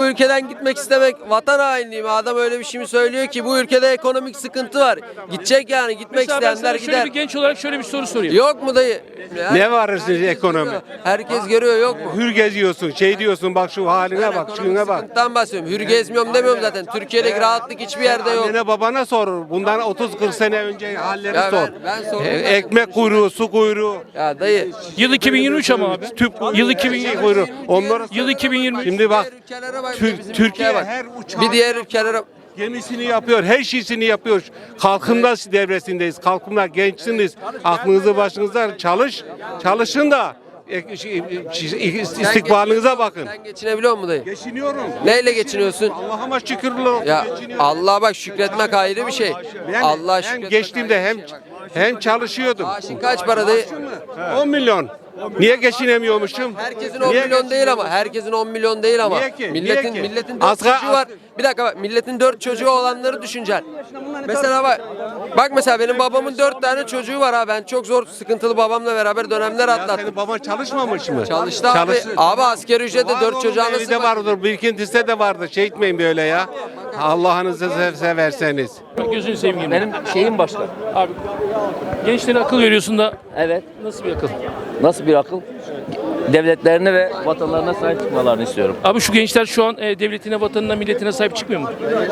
ülkeden gitmek istemek vatan hainliği mi? Adam öyle bir şey mi söylüyor ki bu ülkede ekonomik sıkıntı var. Gidecek yani gitmek Mesela ben isteyenler sana şöyle gider. bir genç olarak şöyle bir soru sorayım. Yok mu dayı? Ne var sizin Herkes ekonomi? görüyor. Herkes görüyor yok mu? Hür geziyorsun, şey diyorsun, bak şu haline bak, Ekonomik şuna bak. sıkıntıdan bahsediyorum. Hür gezmiyorum demiyorum zaten. Türkiye'deki rahatlık hiçbir yerde yok. Annene babana sor. Bundan 30-40 sene önce halleri Ya sor. ben sordum. Ekmek kuyruğu, su kuyruğu, Ya dayı. Yıl 2023 ama abi. tüp Yıl 2020. kuyruğu. Onları Yıl 2023. Şimdi bak, Diğer ülkelere bak. bizim Türkiye ülkeye bak. her uçağı Bir diğer ülkelere gemisini yapıyor, her şeysini yapıyor. Kalkınma devresindeyiz. Kalkınma gençsiniz. Aklınızı başınıza çalışın da istikbalınıza bakın. Sen geçinebiliyor musun dayı? Geçiniyorum. Neyle geçiniyorsun? Allah'ıma şükürler olsun. Ya geçiniyorum. Allah'a bak şükretmek ayrı bir şey. Ben Allah'a hem şükretmek geçtiğimde ayrı hem bir şey. hem çalışıyordum. Maaşın kaç para dayı? 10 milyon. Niye geçinemiyormuşum? Herkesin 10 Niye milyon değil ama. Herkesin 10 milyon değil ama. Niye ki? Milletin Niye ki? milletin 4 çocuğu var. Bir dakika bak. Milletin 4 çocuğu olanları düşüneceksin. Mesela bak mesela benim babamın 4 tane çocuğu var ha. Ben çok zor sıkıntılı babamla beraber dönemler Ya atlattım. senin baban çalışmamış mı? Çalıştı abi. Abi asgari ücretle 4 çocuğa Evi nasıl de vardır, birikintisi de vardır. Şey etmeyin böyle ya. Allah'ınızı severseniz. Gözünü seveyim. Benim şeyim başka. Abi gençlere akıl veriyorsun da Evet. nasıl bir akıl? Nasıl bir akıl? Devletlerine ve vatanlarına sahip çıkmalarını istiyorum. Abi şu gençler şu an devletine, vatanına, milletine sahip çıkmıyor mu?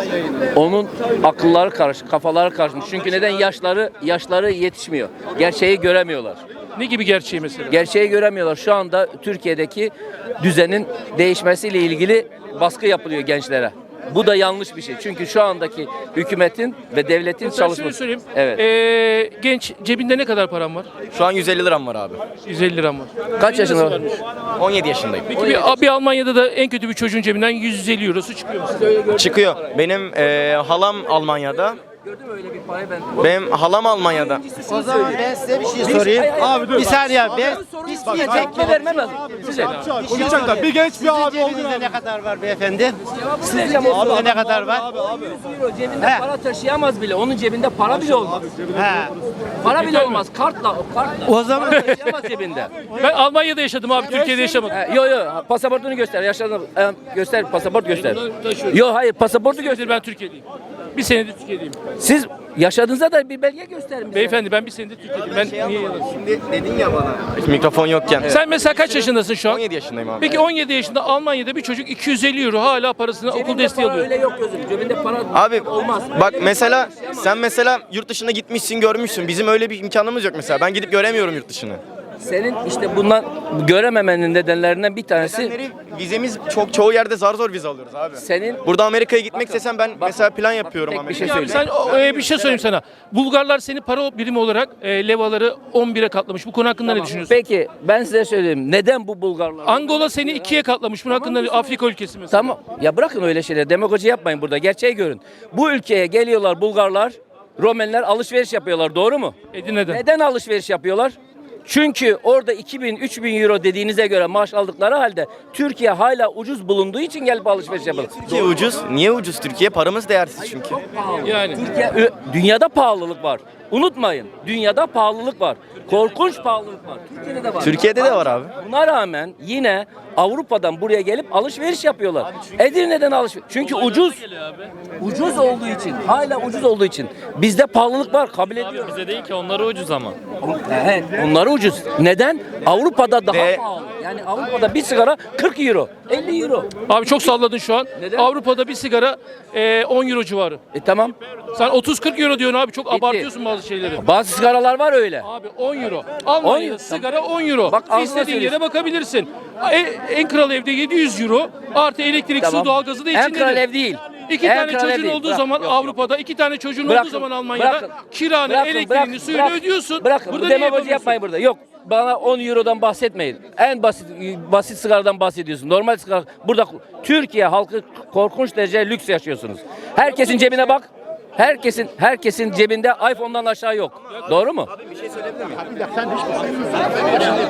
Onun akılları karışık, kafaları karışmış. Çünkü neden yaşları yetişmiyor. Gerçeği göremiyorlar. Ne gibi gerçeği mesela? Gerçeği göremiyorlar. Şu anda Türkiye'deki düzenin değişmesiyle ilgili baskı yapılıyor gençlere. Bu da yanlış bir şey. Çünkü şu andaki hükümetin ve devletin Ben şöyle çalışması. söyleyeyim. Evet. Genç cebinde ne kadar param var? Şu an 150 liram var abi. 150 liram var. Kaç Senin nasıl yaşında? varmış? 17 yaşındayım. Peki bir Almanya'da da en kötü bir çocuğun cebinden 150 eurosu çıkıyor mu? Çıkıyor. Benim halam Almanya'da. Gördün mü öyle bir parayı ben? Benim halam Almanya'da. O zaman ben size bir şey sorayım. Abi dur. Bir saniye abi. Biz tekme vermem lazım. Size. Konuşacak da bir genç bir abi cebinizde ne kadar var beyefendi? Sizin cebinizde ne kadar var? 100 euro cebinde He. para taşıyamaz bile. Onun cebinde para bile olmaz. He. Para bile olmaz. Kartla. O zaman Taşıyamaz cebinde. Ben Almanya'da yaşadım abi, Türkiye'de yaşamadım. Yo pasaportunu göster. Yaşlarını göster, pasaport göster. Yo hayır, pasaportu göster. Ben Türkiye'deyim. Bir senedir Türkiye'deyim. Siz yaşadığınızda da bir belge gösterin bize. Beyefendi ben bir senedir Türkiye'deyim. Ben niye yalan? Şimdi dedin ya bana. Mikrofon yokken. Sen mesela kaç yaşındasın şu an? 17 yaşındayım abi. Peki 17 yaşında Almanya'da bir çocuk 250 euro hala parasını okul Cebinde desteği para alıyor. öyle yok gözüm. Cebinde para Abi olmaz. bak mesela sen mesela yurt dışına gitmişsin, görmüşsün. Bizim öyle bir imkanımız yok mesela. Ben gidip göremiyorum yurt dışını. Senin işte bundan görememenin nedenlerinden bir tanesi Nedenleri vizemiz çoğu yerde zar zor vize alıyoruz abi. senin Burada Amerika'ya gitmek istesem ben mesela plan yapıyorum tek bir şey Amerika'ya. söyleyeyim. Sen bir şey söyleyeyim sana. Bulgarlar seni para birimi olarak levaları 11'e katlamış. Bu konu hakkında ne düşünüyorsun? Peki ben size söyleyeyim. Neden bu Bulgarlar? Angola seni 2'ye katlamış. Bunun hakkında Afrika ülkesi mesela. Tamam. Ya bırakın öyle şeyler. Demagoji yapmayın burada. Gerçeği görün. Bu ülkeye geliyorlar Bulgarlar, Romenler alışveriş yapıyorlar. Doğru mu? Edirne'den. Neden alışveriş yapıyorlar? Çünkü orada 2000-3000 euro dediğinize göre maaş aldıkları halde Türkiye hala ucuz bulunduğu için gelip alışveriş yapıyorlar. Türkiye ucuz. Niye ucuz Türkiye? Paramız değersiz çünkü. Yani. Dünyada pahalılık var. Unutmayın. Dünyada pahalılık var. Korkunç pahalılık var. Türkiye'de de var. Türkiye'de de var abi. Buna rağmen yine Avrupa'dan buraya gelip alışveriş yapıyorlar. Edirne'den alışveriş. Çünkü ucuz. Ucuz olduğu için. Hala ucuz olduğu için. Bizde pahalılık var. Kabul ediyorum. Bize değil ki onları ucuz ama. Evet, onları ucuz. Neden? Avrupa'da daha Ve- pahalı. Yani Avrupa'da bir sigara 40 euro, 50 euro. Abi çok salladın şu an. Neden? Avrupa'da bir sigara 10 euro civarı. Tamam. Sen 30-40 euro diyorsun abi. Çok abartıyorsun bazı şeyleri. Bazı sigaralar var öyle. Abi 10 euro. Almanya'da euro. sigara 10 euro. Bak, ağzına İstediğin yere söylüyorsun. bakabilirsin. En kral evde 700 euro. Artı elektrik, Tamam. su, doğalgazı da En içindedir. kral ev değil. İki En tane kral ev çocuğun değil. olduğu Bırak, zaman yok, Avrupa'da, iki tane çocuğun Bırakın, olduğu zaman Almanya'da bırakın. kiranı, Bırakın, elektriğini, suyunu bırakın. ödüyorsun. Bırakın. Burada Bu ne demagoji yapamıyorsun? yapmayın burada. Yok. Bana 10 eurodan bahsetmeyin. En basit sigaradan bahsediyorsun. Normal sigara. Burada Türkiye halkı korkunç derece lüks yaşıyorsunuz. Herkesin cebine bak. Herkesin cebinde iPhone'dan aşağı yok. Doğru mu?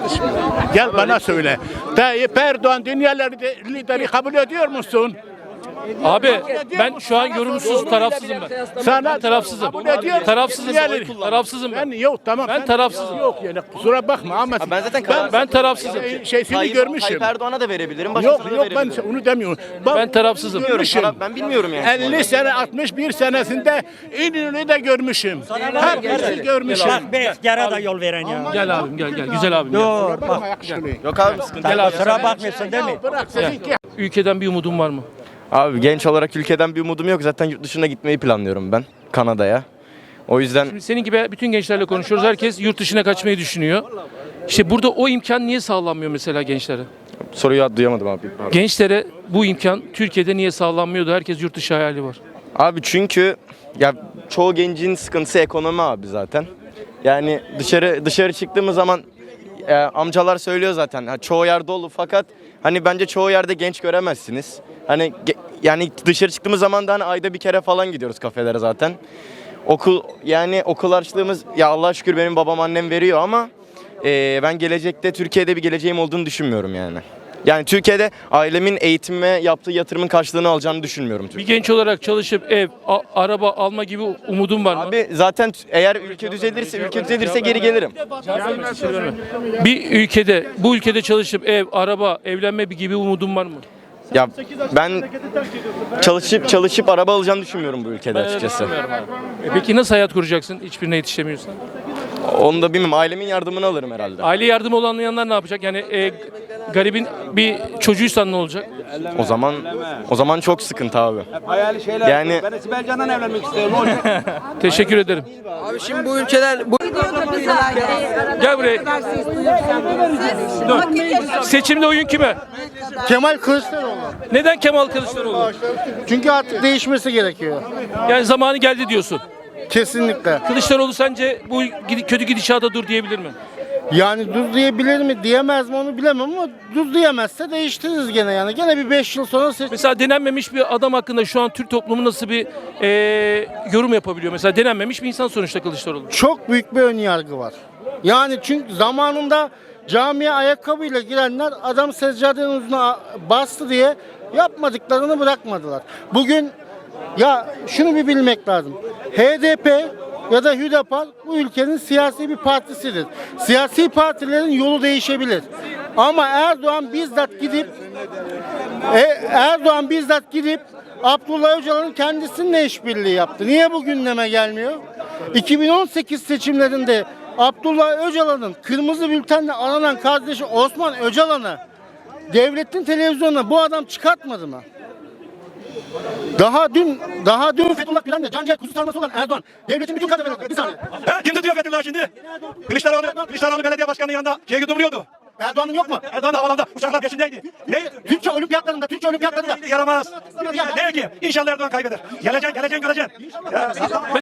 Gel bana söyle. Tayyip Erdoğan dünya lideri kabul ediyor musun? Abi ben şu an yorumsuz, tarafsızım ben. Ben tarafsızım. Tarafsızım. Tarafsızım ben. Yok tamam. Ben tarafsızım. Yok yani kusura bakma ama Ben zaten kararsızım. Ben tarafsızım. şeysini görmüşüm. Tayyip Erdoğan'a da verebilirim. Başkasına Yok da ben verebilirim. onu demiyorum. Ben tarafsızım. Görmüşüm. Ben bilmiyorum yani. 50 sene 61 senesinde İnönü'nü de görmüşüm. Hepsini görmüşüm. Yara da yol veren ya. Gel abim gel. Güzel abim. Gel. Bakma yakışıklı. Yok abi sıkıntı. Gel abi. Kusura bakmıyorsun değil mi? Bırak seninki. Ülkeden bir umudun var mı? Abi genç olarak ülkeden bir umudum yok. Zaten yurt dışına gitmeyi planlıyorum ben. Kanada'ya. O yüzden Senin gibi bütün gençlerle konuşuyoruz. Herkes yurt dışına kaçmayı düşünüyor. İşte burada o imkan niye sağlanmıyor mesela gençlere? soruyu duyamadım abi. Pardon. Gençlere bu imkan Türkiye'de niye sağlanmıyordu? Herkes yurt dışı hayali var. Abi çünkü ya çoğu gencin sıkıntısı ekonomi abi zaten. Yani dışarı çıktığımız zaman amcalar söylüyor zaten. Çoğu yer dolu fakat hani bence çoğu yerde genç göremezsiniz. Hani yani dışarı çıktığımız zaman da hani ayda bir kere falan gidiyoruz kafelere zaten. Okul harçlığımız ya Allah'a şükür benim babam annem veriyor ama ben gelecekte Türkiye'de bir geleceğim olduğunu düşünmüyorum yani. Yani Türkiye'de ailemin eğitime yaptığı yatırımın karşılığını alacağını düşünmüyorum. Bir genç olarak çalışıp ev, araba alma gibi umudun var mı? Abi zaten eğer ülke düzelirse geri gelirim. Bu ülkede çalışıp ev, araba, evlenme gibi umudun var mı? Ya ben çalışıp araba alacağını düşünmüyorum bu ülkede açıkçası. Peki nasıl hayat kuracaksın hiçbirine yetişemiyorsan? Onu da bilmem. Ailemin yardımını alırım herhalde. Aile yardımı olamayanlar ne yapacak? Yani garibin bir çocuğuysan ne olacak? O zaman çok sıkıntı abi. Yani Ben Sibel Can'dan evlenmek istiyorum. Teşekkür ederim. Abi şimdi bu ülkeden Gel buraya. Dur. Seçimde oyun kime? Kemal Kılıçdaroğlu. Neden Kemal Kılıçdaroğlu? Çünkü artık değişmesi gerekiyor. Yani zamanı geldi diyorsun. Kesinlikle. Kılıçdaroğlu sence bu kötü gidişata dur diyebilir mi? Yani dur diyebilir mi diyemez mi onu bilemem ama dur diyemezse değiştiririz gene yani. Gene bir 5 yıl sonra Mesela denenmemiş bir adam hakkında şu an Türk toplumu nasıl bir yorum yapabiliyor? Mesela denenmemiş bir insan sonuçta Kılıçdaroğlu. çok büyük bir ön yargı var. Yani çünkü zamanında camiye ayakkabıyla girenler adam seccadenin ucuna bastı diye yapmadıklarını bırakmadılar. Bugün ya şunu bir bilmek lazım. HDP ya da Hüdapar bu ülkenin siyasi bir partisidir. Siyasi partilerin yolu değişebilir. Ama Erdoğan bizzat gidip Abdullah Öcalan'ın kendisininle işbirliği yaptı. Niye bu gündeme gelmiyor? 2018 seçimlerinde Abdullah Öcalan'ın kırmızı bültenle aranan kardeşi Osman Öcalan'ı devletin televizyonuna bu adam çıkartmadı mı? Daha dün Fethullah Gülen'de Cancel kuzu sarması olan Erdoğan devletin bütün kadroları bir saniye. Kim tutuyor Fethullah şimdi? Kılıçdaroğlu belediye başkanının yanında duruyordu. Erdoğan'ın yok mu? Erdoğan da havalanda uçaklar peşindeydi. Ne? Türkiye olimpiyatlarında Yaramaz. Ne ki? İnşallah Erdoğan kaybeder. Geleceksin göreceksin.